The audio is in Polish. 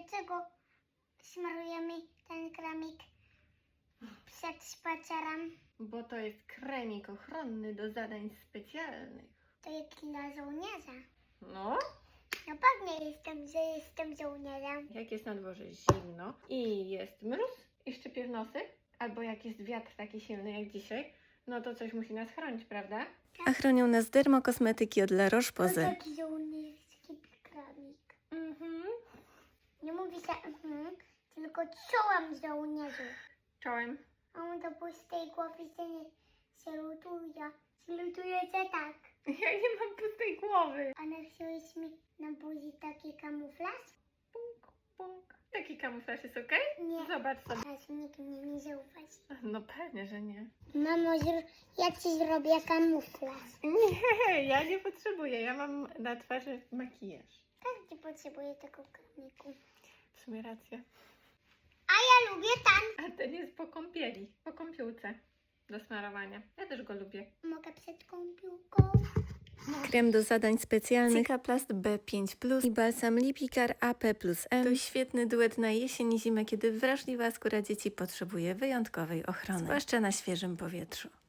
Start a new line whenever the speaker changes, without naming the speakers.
dlaczego smarujemy ten kremik przed spacerem?
Bo to jest kremik ochronny do zadań specjalnych.
To jest dla żołnierza.
No,
No pewnie że jestem żołnierzem.
jak jest na dworze zimno i jest mróz i szczypie w nosy, albo jak jest wiatr taki silny jak dzisiaj, no to coś musi nas chronić, prawda?
A chronią nas dermokosmetyki od La Roche-Posay.
To taki żołnierski kremik. Nie mówi się tylko czołem żołnierzu.
Czołem.
A on do pustej głowy się nie salutuje. Salutuje się tak.
Ja nie mam pustej głowy.
A napisałeś mi na buzi taki kamuflaż?
Punk, punk. Taki kamuflaż jest okej?
Nie.
Zobacz sobie.
Aż nikt mnie nie zauważy.
No pewnie, że nie.
Mamo, ja ci zrobię kamuflaż.
Nie, ja nie potrzebuję. Ja mam na twarzy makijaż.
Każdy potrzebuje tego kremiku.
W sumie racja.
A ja lubię ten.
A ten jest po kąpieli, po kąpiółce do smarowania. Ja też go lubię.
Mogę przed kąpiłką.
Krem do zadań specjalnych Cicaplast B5+, i balsam Lipikar AP+M to świetny duet na jesień i zimę, kiedy wrażliwa skóra dzieci potrzebuje wyjątkowej ochrony, zwłaszcza na świeżym powietrzu.